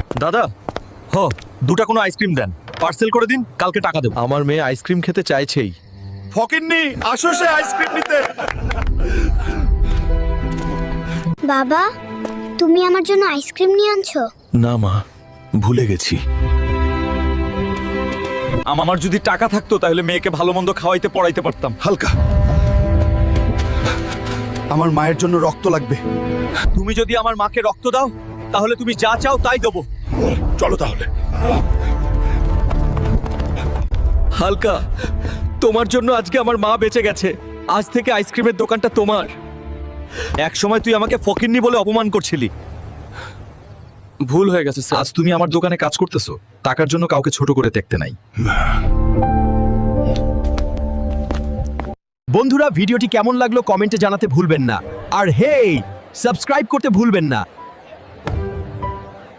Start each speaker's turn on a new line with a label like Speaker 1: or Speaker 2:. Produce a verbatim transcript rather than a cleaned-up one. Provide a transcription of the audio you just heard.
Speaker 1: দাদা, হ দুটা কোনো আইসক্রিম দেন, পার্সেল করে দিন, কালকে টাকা দেব।
Speaker 2: আমার মেয়ে আইসক্রিম খেতে চাইছেই।
Speaker 1: ফকিন্নি, আসো সে আইসক্রিম নিতে।
Speaker 3: বাবা, তুমি আমার জন্য আইসক্রিম নিয়ে আনছো?
Speaker 2: না মা, ভুলে গেছি।
Speaker 1: আমার যদি টাকা থাকতো তাহলে মেয়েকে ভালো মন্দ খাওয়াইতে পড়াইতে পারতাম।
Speaker 4: হালকা, আমার মায়ের জন্য রক্ত লাগবে।
Speaker 1: তুমি যদি আমার মাকে রক্ত দাও তাহলে তুমি যা চাও তাই দেবো।
Speaker 4: চলো তাহলে।
Speaker 2: হালকা, তোমার জন্য আজকে আমার মা বেঁচে গেছে। আজ থেকে আইসক্রিমের দোকানটা তোমার।
Speaker 1: এক সময় তুই আমাকে ফকিন্নি বলে অপমান করছিলি।
Speaker 2: ভুল হয়ে গেছে স্যার।
Speaker 1: আজ তুমি আমার দোকানে কাজ করতেছো, টাকার জন্য কাউকে ছোট করে দেখতে নাই।
Speaker 5: বন্ধুরা, ভিডিওটি কেমন লাগলো কমেন্টে জানাতে ভুলবেন না। আর হেই, সাবস্ক্রাইব করতে ভুলবেন না।